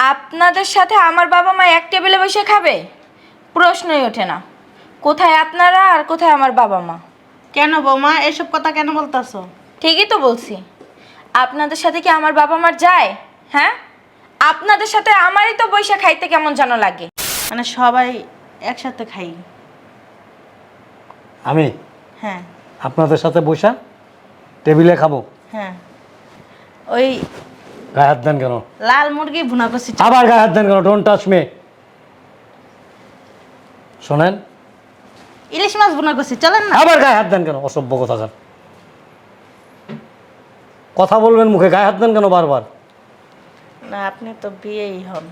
আপনাদের সাথে আমার বাবা মা এক টেবিলে বসে খাবে? প্রশ্নই ওঠে না। কোথায় আপনারা আর কোথায় আমার বাবা মা? কেন বৌমা এসব কথা কেন বলতাছো? ঠিকই তো বলছি। আপনাদের সাথে কি আমার বাবা মার যায়? হ্যাঁ, আপনাদের সাথে আমারই তো বসে খাইতে কেমন যেন লাগে। মানে সবাই একসাথে খাই। আমি হ্যাঁ আপনাদের সাথে বসা টেবিলে খাবো? হ্যাঁ, ওই গায়ে হাত দেন কেন? লাল মুরগি ভুনা করছি। আবার গায়ে হাত দেন কেন? Don't touch me. শোনেন, ইলিশ মাছ ভুনা করছি, চলেন না। আবার গায়ে হাত দেন কেন? অসভ্য কথাকার। কথা বলবেন মুখে, গায়ে হাত দেন কেন বারবার? না আপনি তো বিয়েই হন।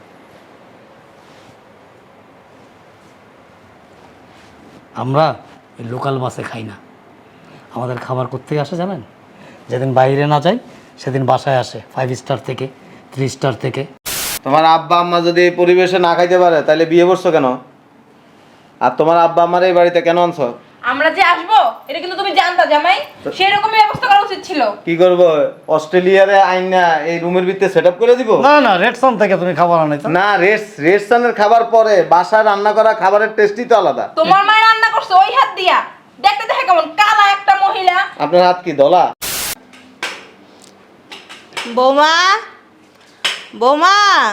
আমরা এই লোকাল বাসে খাই না। আমাদের খাবার কোত্থেকে আসে জানেন? যেদিন বাইরে না যাই সেদিন বাসায় আসে 5 স্টার থেকে, 3 স্টার থেকে। তোমার আব্বা আম্মা যদি এই পরিবেশে না খাইতে পারে তাহলে বিয়ে করছো কেন? আর তোমার আব্বা আম্মার এই বাড়িতে কেন আনছো? আমরা যে আসবো এটা কিন্তু তুমি জানতা জামাই, সেই রকমই ব্যবস্থা করা উচিত ছিল। কি করব? অস্ট্রেলিয়ারে আইনা এই রুমের ভিতরে সেটআপ করে দিব? না না, রেডসন থেকে তুমি খাবার আনাইছো। না, রেস্টুরেন্টের খাবার পরে বাসায় রান্না করা খাবারের টেস্টই তো আলাদা। তোমার মা রান্না করছে ওই হাত দিয়া, দেখতে দেখে কেমন কালা একটা মহিলা। আপনার হাত কি দলা? বৌমা, বৌমা,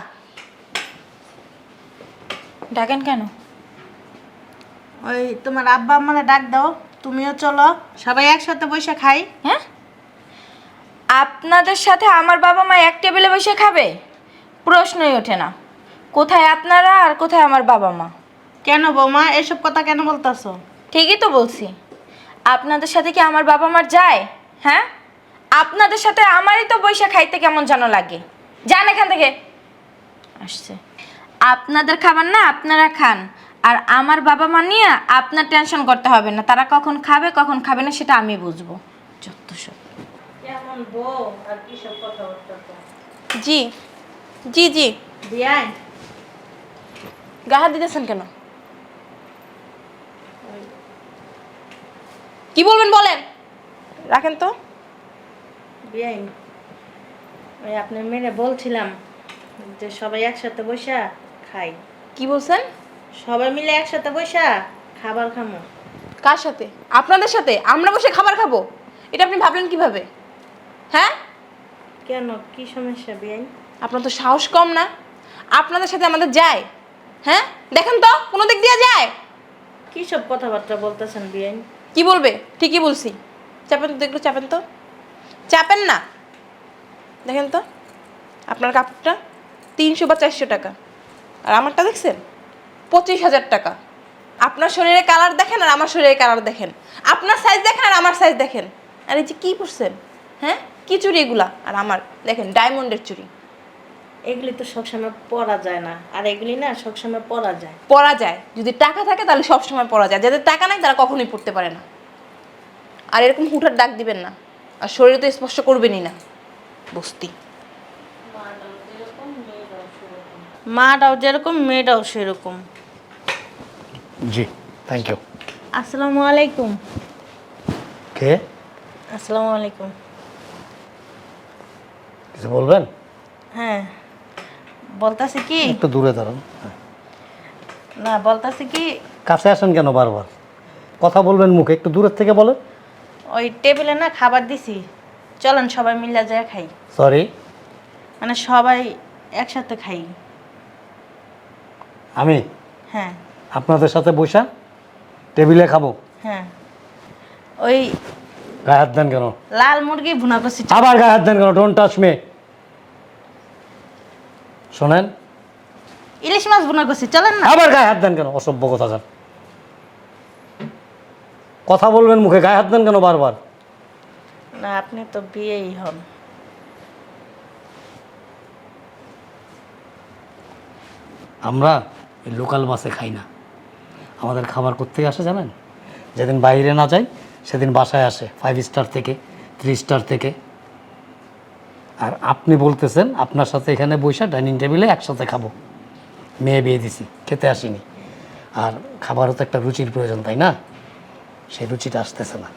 ডাকেন কেন? ওই তোমার আব্বা আম্মারে ডাক দাও, তুমিও চলো, সবাই একসাথে বসে খাই। হ্যাঁ, আপনাদের সাথে আমার বাবা মা এক টেবিলে বসে খাবে? প্রশ্নই ওঠে না। কোথায় আপনারা আর কোথায় আমার বাবা মা? কেন বৌমা এসব কথা কেন বলতাছো? ঠিকই তো বলছি। আপনাদের সাথে কি আমার বাবা মার যায়? হ্যাঁ, আপনাদের সাথে আমারই তো বসে খাইতে কেমন যেন লাগে। যান এখান থেকে। আসছে আপনাদের খাবার না, আপনারা খান। আর আমার বাবা মা নিয়ে আপনার টেনশন করতে হবে না। তারা কখন খাবে কখন খাবে না সেটা আমি বুঝবো। যত সব। কেমন বউ আর কি সব কথা বলতাছো? জি জি জি, বিয়াই গাহাত দিতেছেন কেন? কি বলবেন বলেন, রাখেন তো। বিয়াই, ওই আপনার মেয়ে বলছিলাম যে সবাই একসাথে বসা খাই। কি বলছেন? সবাই মিলে একসাথে বসা খাবার খামো। কার সাথে? আপনাদের সাথে আমরা বসে খাবার খাবো? এটা আপনি ভাবলেন কিভাবে? হ্যাঁ, কেন, কি সমস্যা বিয়াই? আপনার তো সাহস কম না। আপনাদের সাথে আমাদের যায়? হ্যাঁ, দেখেন তো কোনো দিক দিয়ে যায়? কি সব কথাবার্তা বলতেছেন বিয়াই? কি বলবে? ঠিকই বলছি। চাপেন তো, দেখলো চাপেন তো, চাপেন না। দেখেন তো আপনার কাপড়টা 300 বা 400 টাকা, আর আমারটা দেখছেন 25,000 টাকা। আপনার শরীরে কালার দেখেন আর আমার শরীরে কালার দেখেন, আপনার সাইজ দেখেন আর আমার সাইজ দেখেন। আর এই যে কী করছেন, হ্যাঁ কি চুড়ি এগুলা? আর আমার দেখেন ডায়মন্ডের চুড়ি। এগুলি তো সবসময় পরা যায় না, আর এগুলি না সবসময় পরা যায়। পরা যায়, যদি টাকা থাকে তাহলে সবসময় পরা যায়। যাদের টাকা নাই তারা কখনোই পড়তে পারে না। আর এরকম হুঠার ডাক দিবেন না, আর শরীরে তো স্পর্শ করবেনই না। বস্তি মাটাও যেরকম মেয়েটাও সেরকম। জি, থ্যাংক ইউ। আসসালামু আলাইকুম। কে? আসসালামু আলাইকুম। কিছু বলবেন? হ্যাঁ বলতাছি কি, একটু দূরে দাঁড়ান। হ্যাঁ। না বলতাছি কি, কাছে আসেন কেন বারবার? কথা বলবেন মুখে, একটু দূরের থেকে বলেন। ওই টেবিলে না খাবার দিছি, চলেন সবাই মিলে যায় খাই। সরি, মানে সবাই একসাথে খাই। আমি হ্যাঁ আপনাদের সাথে বসা টেবিলে খাবো? হ্যাঁ, ওই গায়ে হাত দেন কেন? লাল মুরগি ভুনা করছি। আবার গায়ে হাত দেন কেন? Don't touch me. শোনেন, ইলিশ মাছ ভুনা করছি, চলেন না। আবার গায়ে হাত দেন কেন? অসভ্য কথাকার। কথা বলবেন মুখে, গায়ে হাত দেন কেন বারবার? না আপনি তো বিয়েই হন। আমরা এই লোকাল বাসে খাই না। আমাদের খাবার কোত্থেকে আসে জানেন? যেদিন বাইরে না যাই সেদিন বাসায় আসে 5 স্টার থেকে, 3 স্টার থেকে। আর আপনি বলতেছেন আপনার সাথে এখানে বসে ডাইনিং টেবিলে একসাথে খাবো। মেয়ে বিয়ে দিছি, খেতে আসিনি। আর খাবারও তো একটা রুচির প্রয়োজন, তাই না? সেই রুচিটা আসতেছে না।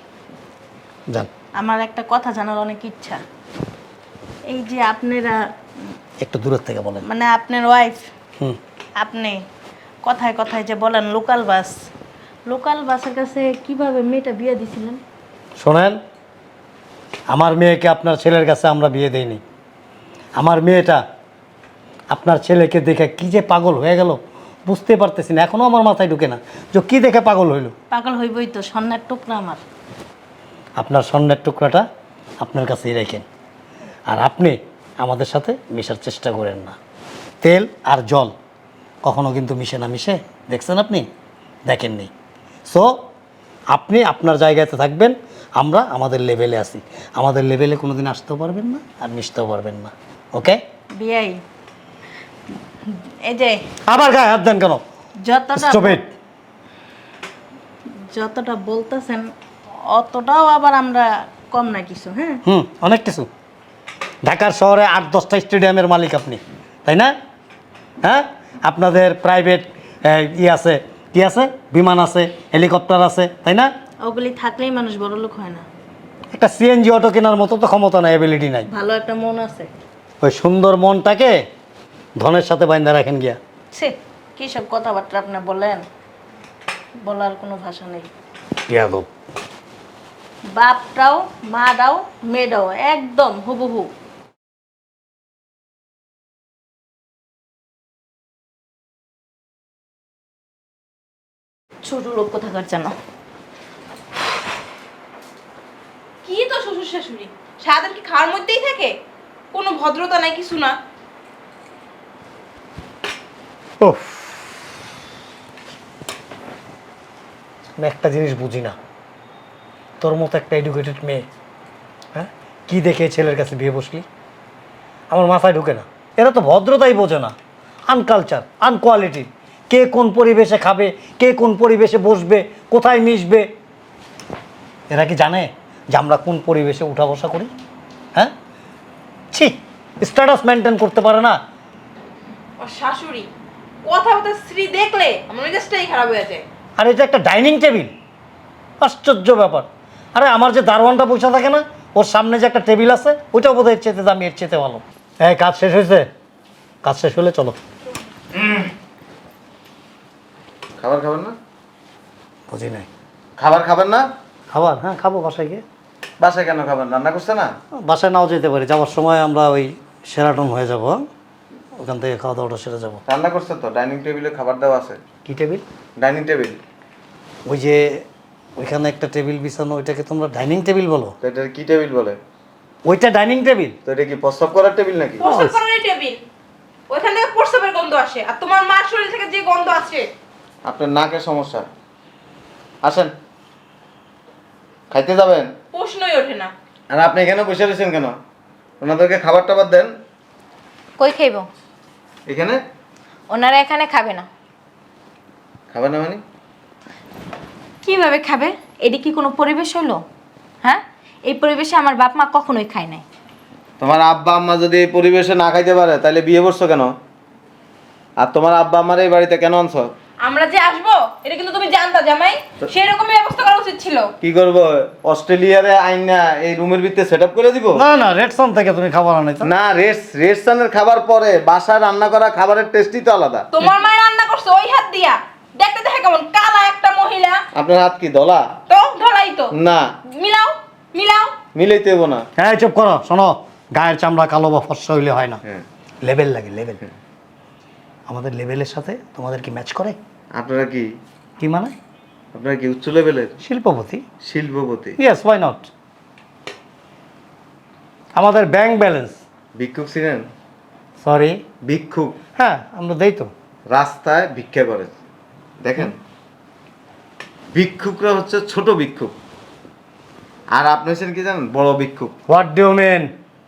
যান। আমার একটা কথা জানার অনেক ইচ্ছা। এই যে আপনারা একটু দূরের থেকে বলেন। মানে আপনার ওয়াইফ, হুম। আপনি কথায় কথায় যে বলেন লোকাল বাস, লোকাল বাসের কাছে কিভাবে মেয়েটা বিয়ে দিছিলেন? শোনেন, আমার মেয়েকে আপনার ছেলের কাছে আমরা বিয়ে দেইনি। আমার মেয়েটা আপনার ছেলেকে দেখে কি যে পাগল হয়ে গেল বুঝতে পারতেছি না, এখনও আমার মাথায় ঢুকে না যে কি দেখে পাগল হইল। পাগল হইবই তো, স্বর্ণের টুকরা আমার। আপনার স্বর্ণের টুকরাটা আপনার কাছেই রাখেন, আর আপনি আমাদের সাথে মেশার চেষ্টা করেন না। তেল আর জল কখনো কিন্তু মিশে না, মিশে দেখছেন আপনি? দেখেননি। সো আপনি আপনার জায়গাতে থাকবেন, আমরা আমাদের লেভেলে আসি। আমাদের লেভেলে কোনো দিন আসতেও পারবেন না আর মিশতেও পারবেন না। ওকে? বিয়াই, এই যে আবার গায়ে হাত দেন কেন? যতটা Stop it! যতটা বলতেছেন অতটাও আবার আমরা কম না কিছু। হ্যাঁ, অনেক কিছু। ঢাকার শহরে 8-10টা স্টেডিয়ামের মালিক আপনি, তাই না? হ্যাঁ, আপনাদের প্রাইভেট আছে, কি আছে, বিমান আছে, হেলিকপ্টার আছে, তাই না? ওগুলি থাকলেই মানুষ বড় লোক হয় না। একটা সিএনজি অটো কেনার মতো তো ক্ষমতা নাই, অ্যাবিলিটি নাই। ভালো একটা মন আছে। ওই সুন্দর মনটাকে ধনের সাথে বাইন্ধা রাখেন গিয়া। সে কী সব কথাবার্তা আপনি বলেন, বলার কোনো ভাষা নেই। ইয়াদব। বাপটাও মাটাও মেয়েটাও একদম হুবহু। ছোট লোক কোথাকার জানো? কি তো শ্বশুর শাশুড়ি সারাদিন কি খাওয়ার মধ্যেই থাকে, কোনো ভদ্রতা নাই, কিছু না। উফ, আমি একটা জিনিস বুঝি না, তোর মতো একটা এডুকেটেড মেয়ে, হ্যাঁ, কি দেখে ছেলের কাছে বিয়ে বসলি? আমার মাথায় ঢুকে না। এরা তো ভদ্রতাই বোঝে না, আনকালচার, আনকোয়ালিটি। কে কোন পরিবেশে খাবে, কে কোন পরিবেশে বসবে, কোথায় মিশবে, এরা কি জানে যে আমরা কোন পরিবেশে উঠা বসা করি? হ্যাঁ, ছি, স্ট্যাটাস মেনটেন করতে পারে না। আর শাশুড়ি কথা কথা স্ত্রী দেখলে আমার মেজাজটাই খারাপ হয়ে যায়। আর এটা একটা ডাইনিং টেবিল, আশ্চর্য ব্যাপার। আরে আমার যে দারোয়ানটা বসে থাকে না, ওর সামনে যে একটা টেবিল আছে, ওইটাও বোধ হয় এর চেতে দামি, এর চেতে ভালো। এই কাজ শেষ হয়েছে? কাজ শেষ হলে চলো। খাবার খাবেন না? বুঝি নাই। খাবার খাবেন না? খাবার? হ্যাঁ খাবো, বাসায় গিয়ে। বাসায় কেন খাবেন? রান্না করছে না? বাসায় নাও যেতে পারি, যাওয়ার সময় আমরা ওই সেরাটন হয়ে যাবো, ওখান থেকে খাওয়া দাওয়াটা সেরে যাবো। রান্না করছে তো, ডাইনিং টেবিলে খাবার দেওয়া আছে। কি টেবিল? Dining table. ওই যে ওইখানে একটা টেবিল বিছানো, ওইটাকে তোমরা ডাইনিং টেবিল বলো? তো এটা কি টেবিল বলে? ওইটা ডাইনিং টেবিল। তো এটা কি প্রস্রাব করার টেবিল নাকি? প্রস্রাব করার টেবিল, ওইখান থেকে প্রস্রাবের গন্ধ আসে, আর তোমার মার শরীর থেকে যে গন্ধ আসে। আপনার নাকের সমস্যা। আসেন, খাইতে যাবেন? প্রশ্নই ওঠে না। আর আপনি এখানে বসে রয়েছেন কেন? ওনাদেরকে খাবার টাবার দেন। কই খাইব? এখানে ওনারা এখানে খাবে না। খাবেন না মানে? কিভাবে খাবে? এটি কি কোনো পরিবেশ হলো? হ্যাঁ, এই পরিবেশে আমার বাপ মা কখনোই খায় নাই। তোমার আব্বা আম্মা যদি এই পরিবেশে না খাইতে পারে তাহলে বিয়ে করছো কেন? আর তোমার আব্বা আম্মার এই বাড়িতে কেন আনছো? আমরা যে আসবো এটা কিন্তু তুমি জানতা জামাই, সেই রকমই ব্যবস্থা করা উচিত ছিল। কি করবো, অস্ট্রেলিয়ারে আইন না এই রুমের ভিতরে সেট আপ করে দিব? না না, রেডসন থেকে তুমি খাবার আনাইছো না, রেস্টুরেন্টের খাবার পরে, বাসায় রান্না করা খাবারের টেস্টই তো আলাদা। তোমার মায়ের রান্না করছে ওই হাত দিয়া, দেখতে দেখে কেমন কালা একটা মহিলা। আপনার হাত কি দলা? তো ধরাই তো না, মিলাও মিলাও। মিলাইতে হবো না। হ্যাঁ চুপ করো। শোনো, গায়ের চামড়া কালো বা ফর্সা হইলে হয় না, হ্যাঁ, লেভেল লাগে, লেভেল। আমাদের লেভেলের সাথে তোমাদের কি ম্যাচ করে? আপনারা কি কি মানে? আপনারা কি উচ্চ লেভেলের শিল্পপতি? শিল্পপতি? Yes, why not. আমাদের ব্যাংক ব্যালেন্স। ভিক্ষুক ছিলেন? সরি, ভিক্ষুক হ্যাঁ আমরা দেই তো। রাস্তায় ভিক্ষা করে, দেখেন। ভিক্ষুকরা হচ্ছে ছোট ভিক্ষুক, আর আপনি হচ্ছেন কি জানেন, বড় ভিক্ষুক। What do you mean?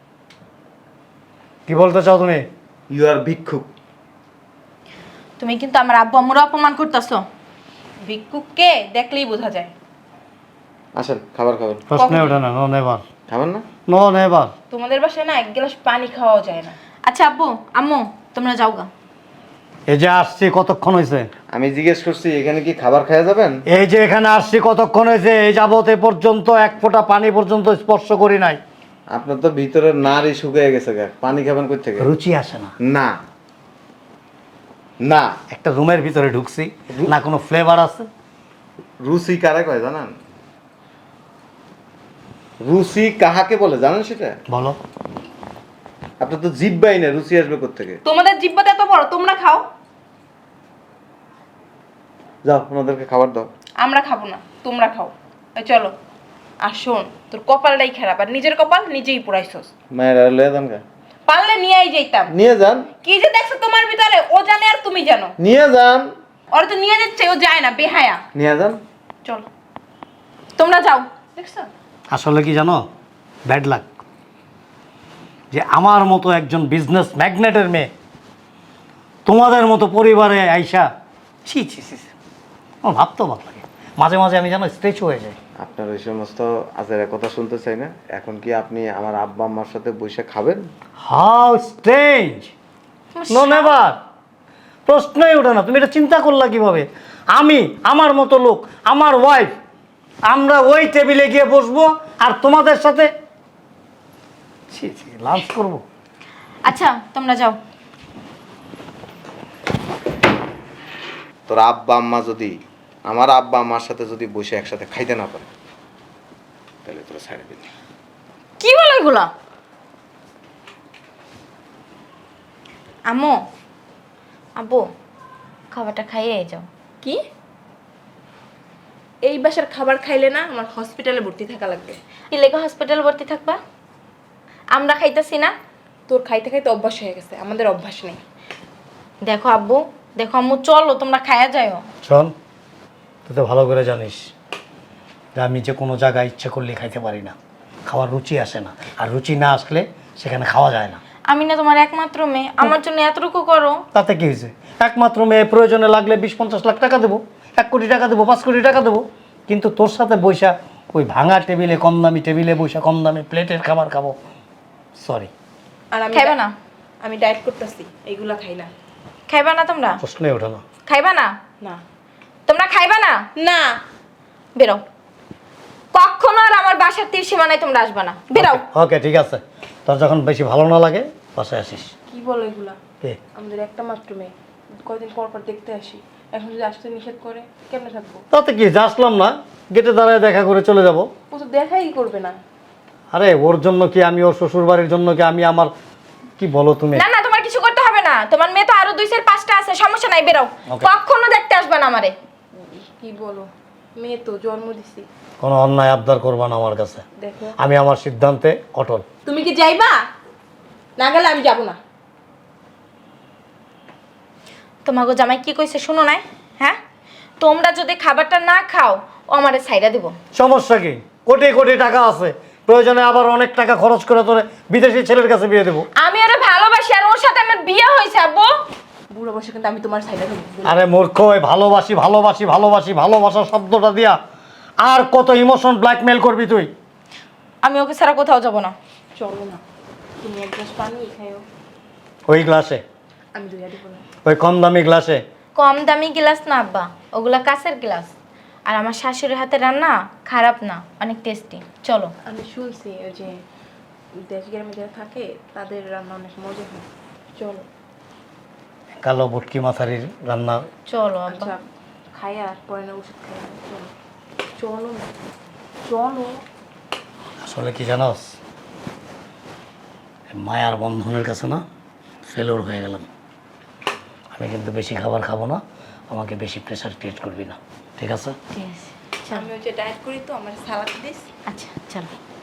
কি বলতে চাও তুমি? ইউ আর ভিক্ষুক। তুমি কিন্তু আমার আব্বু আম্মুর অপমান করতেছো। ভিক্ষুককে দেখলেই বোঝা যায়। আসেন, খাবার খাবেন। প্রশ্নে ওঠে না, নো নেভার। খাবেন না? No never. তোমাদের বাসায় না এক গ্লাস পানি খাওয়াও যায় না। আচ্ছা আব্বু আম্মু তোমরা যাও গা। এই যে আসছি কতক্ষণ হয়েছে? আমি জিজ্ঞেস করছি এখানে কি খাবার খাওয়া যাবেন? এই যে এখানে আসছি কতক্ষণ হয়েছে? এই যাবত এ পর্যন্ত এক ফোঁটা পানি পর্যন্ত স্পর্শ করি নাই। আপনার তো ভিতরে নারী শুকিয়ে গেছে গা, পানি খাবেন কই থেকে? রুচি আসে না। না না, একটা রুমের ভিতরে ঢুকছি, না কোনো ফ্লেভার আছে। রুচি কারে কয় জানেন? রুচি কাহাকে বলে জানেন সেটা? বলো। আপনার তো জিব্বাই না, রুচি আসবে কোত্থেকে? তোমাদের জিব্বাটা এত বড়, তোমরা খাও। যাও আমাদেরকে খাবার দাও। আমরা খাবো না, তোমরা খাও। এই চলো। আর শোন, তোর কপালটাই খারাপ, আর নিজের কপাল নিজেই পুরাইছস। মায়ের আর লয়ে যান গা। পারলে নিয়েই যাইতাম। নিয়ে যান, কি যে দেখছো তোমার ভিতরে, ও জানে আর তুমি জানো। নিয়ে যান, ওর তো নিয়ে যাচ্ছে, ও যায় না, বেহায়া। নিয়ে যান। চলো, তোমরা যাও। দেখছো? আসলে কি জানো, ব্যাড লাক যে আমার মতো একজন বিজনেস ম্যাগনেটের মেয়ে তোমাদের মতো পরিবারে আইসা, ছি ছি ছি ছি। আমার ভাবতেও ভালো লাগে, মাঝে মাঝে আমি যেন স্ট্রেচ হয়ে যাই। আপনার ওই সমস্ত আজের কথা শুনতে চাই না। এখন কি আপনি আমার আব্বা আম্মার সাথে বসে খাবেন? হাউ স্ট্রেঞ্জ, নো নেভার, প্রশ্নই ওঠে না। তুমি এটা চিন্তা করলা কিভাবে? আমি, আমার মতো লোক, আমার ওয়াইফ, আমরা ওই টেবিলে গিয়ে বসবো আর তোমাদের সাথে ছি ছি লাঞ্চ করবো? আচ্ছা তোমরা যাও। তোর আব্বা আম্মা যদি, আমার আব্বা আম্মার সাথে যদি বসে একসাথে খাইতে না পারে, তাহলে তোরা ছেড়ে দিবি। কি বলো এগুলা? আম্মু, আব্বু, খাবারটা খাইয়ে যাও। কি? এই বাসার খাবার খাইলে না আমার হসপিটালে ভর্তি থাকা লাগবে। কি লেগে হসপিটাল ভর্তি থাকবা? আমরা খাইতেছি না? তোর খাইতে খাইতে অভ্যাস হয়ে গেছে, আমাদের অভ্যাস নেই। দেখো আব্বু, দেখো আম্মু, চলো তোমরা খাইয়া যাও। শোন, তুই তো ভালো করে জানিস যে আমি যে কোনো জায়গায় ইচ্ছে করলে খাইতে পারি না, খাওয়ার রুচি আসে না, আর রুচি না আসলে সেখানে খাওয়া যায় না। আমি না তোমার একমাত্র মেয়ে, আমার জন্য এতটুকু করো। তাতে কি হয়েছে? একমাত্র মেয়ে, প্রয়োজনে লাগলে 20-50 লাখ টাকা দেবো, 1 কোটি টাকা দেবো, 5 কোটি টাকা দেবো, কিন্তু তোর সাথে বৈশা ওই ভাঙা টেবিলে, কম দামি টেবিলে বৈশা কম দামি প্লেটের খাবার খাবো? সরি। আর আমি খাইবা না? আমি ডায়েট করতেছি, এইগুলা খাই না। খাইবা না তোমরা? প্রশ্নই ওঠে না। খাইবা না? না তোমরা খাইবা না? না, বেরো। কখনো আর আমার বাসার তীর সীমানায় তোমরা আসবা না, বেরাও। ওকে ঠিক আছে, তোর যখন বেশি ভালো না লাগে বাসায় আসিস। কি বলো এগুলা? কে? আমাদের একটা মাত্র মেয়ে, কয়দিন পর পর দেখতে আসি। এখন যদি আসতে নিষেধ করে কেমনে থাকবো? তাতে কি, যা আসলাম না, গেটে দাঁড়ায় দেখা করে চলে যাব। ও তো দেখাই করবে না। আরে ওর জন্য কি আমি, ওর শ্বশুর বাড়ির জন্য কি আমি আমার, কি বলো তুমি? না না, তোমার কিছু করতে হবে না, তোমার মেয়ে তো আরো 2-4-5টা আছে, সমস্যা নাই, বেরাও। Okay. কখনো দেখতে আসবে না আমারে। কি বলো? মেয়ে তো জন্ম দিছি। কোনো অন্যায় আবদার করবা না আমার কাছে। দেখো, আমি আমার সিদ্ধান্তে অটল। তুমি কি যাইবা? না গেলে আমি যাব না। তোমাকে জামাই কি কইছে শুনো নাই? হ্যাঁ, তোমরা যদি খাবারটা না খাও ও আমারে ছাইড়া দিব। সমস্যা কি? কোটি কোটি টাকা আছে, প্রয়োজনে আবার অনেক টাকা খরচ করে তোরে বিদেশি ছেলের কাছে বিয়ে দেবো। আমি ওরে ভালোবাসি আর ওর সাথে আমার বিয়ে হয়েছে আব্বু। বুড়ো বসে কিন্তু আমি তোমার সাইডে থাকবো। আরে মূর্খ, ওই ভালোবাসি ভালোবাসি ভালোবাসি ভালোবাসা শব্দটা দিয়া আর কত ইমোশন ব্ল্যাকমেল করবি তুই? আমি ওকে ছাড়া কোথাও যাব না। চলো না, তুমি এক গ্লাস পানি খাইও, ওই গ্লাসে, আমি দুইয়া দিব না। ওই কম দামি গ্লাসে। কম দামি গ্লাস না আব্বা, ওগুলা কাঁচের গ্লাস। আর আমার শাশুড়ির হাতে রান্না খারাপ না, অনেক টেস্টি। চলো। আমি শুনছি ওই যে দেশ গ্রামে যারা থাকে তাদের রান্না অনেক মজা হয়। চলো। কালো ভুটকি মাথারির রান্না। চলো আব্বা। আচ্ছা, খাইয়া আর পরে না ওষুধ খাইয়া। চলো চলো না, চলো। আসলে কি জানোস, মায়ার বন্ধনের কাছে না ফেলোর হয়ে গেলাম। আমি কিন্তু বেশি খাবার খাবো না, আমাকে বেশি প্রেশার ক্রিয়েট করবি না, ঠিক আছে? ঠিক আছে, চলো। আমি ওই যে ডায়েট করি তো, আমার সালাদ দিস। আচ্ছা চলো।